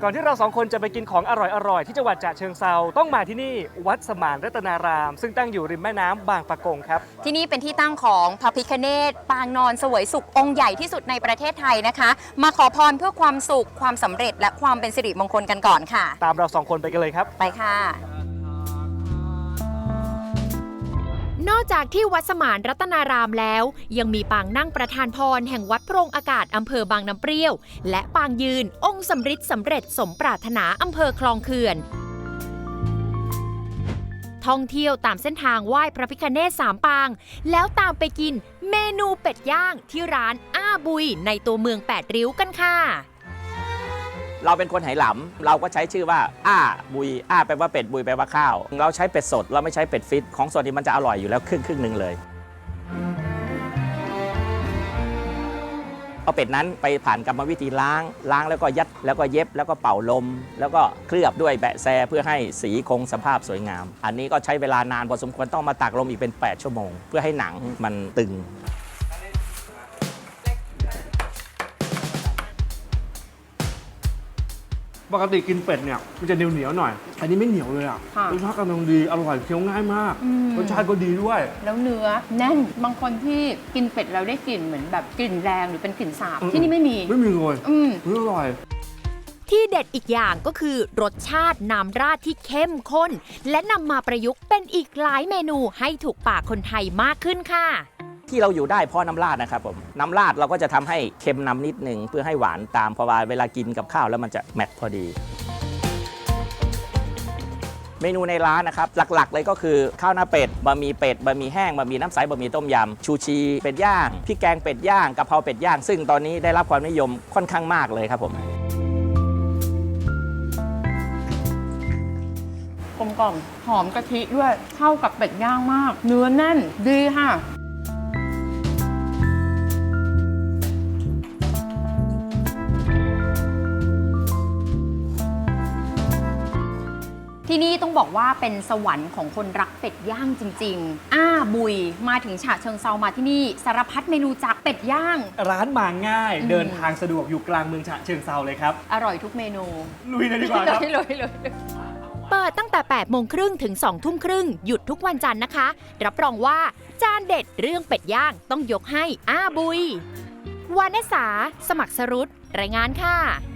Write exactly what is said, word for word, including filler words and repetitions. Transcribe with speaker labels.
Speaker 1: ก่อนที่เราสองคนจะไปกินของอร่อยๆที่จังหวัดฉะเชิงเทราต้องมาที่นี่วัดสมานรัตนารามซึ่งตั้งอยู่ริมแม่น้ำบางปะกงครับ
Speaker 2: ที่นี่เป็นที่ตั้งของพระพิฆเนศปางนอนเสวยสุของค์ใหญ่ที่สุดในประเทศไทยนะคะมาขอพรเพื่อความสุขความสำเร็จและความเป็นสิริมงคลกันก่อนค่ะ
Speaker 1: ตามเราสองคนไปกันเลยครับ
Speaker 2: ไปค่ะ
Speaker 3: นอกจากที่วัดสมานรัตนารามแล้วยังมีปางนั่งประธานพรแห่งวัดโพรงอากาศอำเภอบางน้ำเปรี้ยวและปางยืนองค์สำริดสำเร็จสมปรารถนาอำเภอคลองเขื่อนท่องเที่ยวตามเส้นทางไหว้พระพิฆเนศสามปางแล้วตามไปกินเมนูเป็ดย่างที่ร้านอ้าบุยในตัวเมืองแปดริ้วกันค่ะ
Speaker 4: เราเป็นคนไหหลำเราก็ใช้ชื่อว่าอ้าบุยอ้าแปลว่าเป็ดบุยแปลว่าข้าวเราใช้เป็ดสดเราไม่ใช้เป็ดฟิตของสดนี่มันจะอร่อยอยู่แล้วครึ่งครึ่งหนึ่งเลยเอาเป็ดนั้นไปผ่านกรรมวิธีล้างล้างแล้วก็ยัดแล้วก็เย็บแล้วก็เป่าลมแล้วก็เคลือบด้วยแบะแซเพื่อให้สีคงสภาพสวยงามอันนี้ก็ใช้เวลานานพอสมควรต้องมาตากลมอีกเป็นแปดชั่วโมงเพื่อให้หนังมันตึง
Speaker 1: ปกติกินเป็ดเนี่ยมันจะเหนียวเหนียวหน่อยอันนี้ไม่เหนียวเลยอ่ะรสชาติกำลังดีอร่อยเคี้ยวง่ายมากรสชาติก็ดีด้วย
Speaker 5: แล้วเนื้อแน่นบางคนที่กินเป็ดแล้วได้กลิ่นเหมือนแบบกลิ่นแรงหรือเป็นกลิ่นสาบที่นี่ไม่มี
Speaker 1: ไม่มีเลย
Speaker 5: อืม
Speaker 1: อร่อย
Speaker 3: ที่เด็ดอีกอย่างก็คือรสชาติน้ำราดที่เข้มข้นและนำมาประยุกต์เป็นอีกหลายเมนูให้ถูกปากคนไทยมากขึ้นค่ะ
Speaker 4: ที่เราอยู่ได้เพราะน้ำราดนะครับผมน้ำราดเราก็จะทำให้เค็มนำนิดหนึ่งเพื่อให้หวานตามเพราะว่าเวลากินกับข้าวแล้วมันจะแมทพอดีเมนูในร้านนะครับหลักๆเลยก็คือข้าวหน้าเป็ดบะหมี่เป็ดบะหมี่แห้งบะหมี่น้ำใสบะหมี่ต้มยำชูชีเป็ดย่างพริกแกงเป็ดย่างกะเพราเป็ดย่างซึ่งตอนนี้ได้รับความนิยมค่อนข้างมากเลยครับผม
Speaker 5: กลมกล่อมหอมกะทิด้วยเข้ากับเป็ดย่างมากเนื้อแน่นดีค่ะ
Speaker 2: ที่นี่ต้องบอกว่าเป็นสวรรค์ของคนรักเป็ดย่างจริงๆอ้าบุยมาถึงฉะเชิงเทรามาที่นี่สารพัดเมนูจากเป็ดย่าง
Speaker 1: ร้านมาง่ายเดินทางสะดวกอยู่กลางเมืองฉะเชิงเทราเลยครับ
Speaker 2: อร่อยทุกเมนู
Speaker 1: ลุยเลยดีกว่าครับ
Speaker 2: ลุยเลยเลย
Speaker 3: เปิดตั้งแต่แปดโมงครึ่งถึงสองทุ่มครึ่งหยุดทุกวันจันทร์นะคะรับรองว่าจานเด็ดเรื่องเป็ดย่างต้องยกให้อ้าบุยวานิสาสมัครสรุตรายงานค่ะ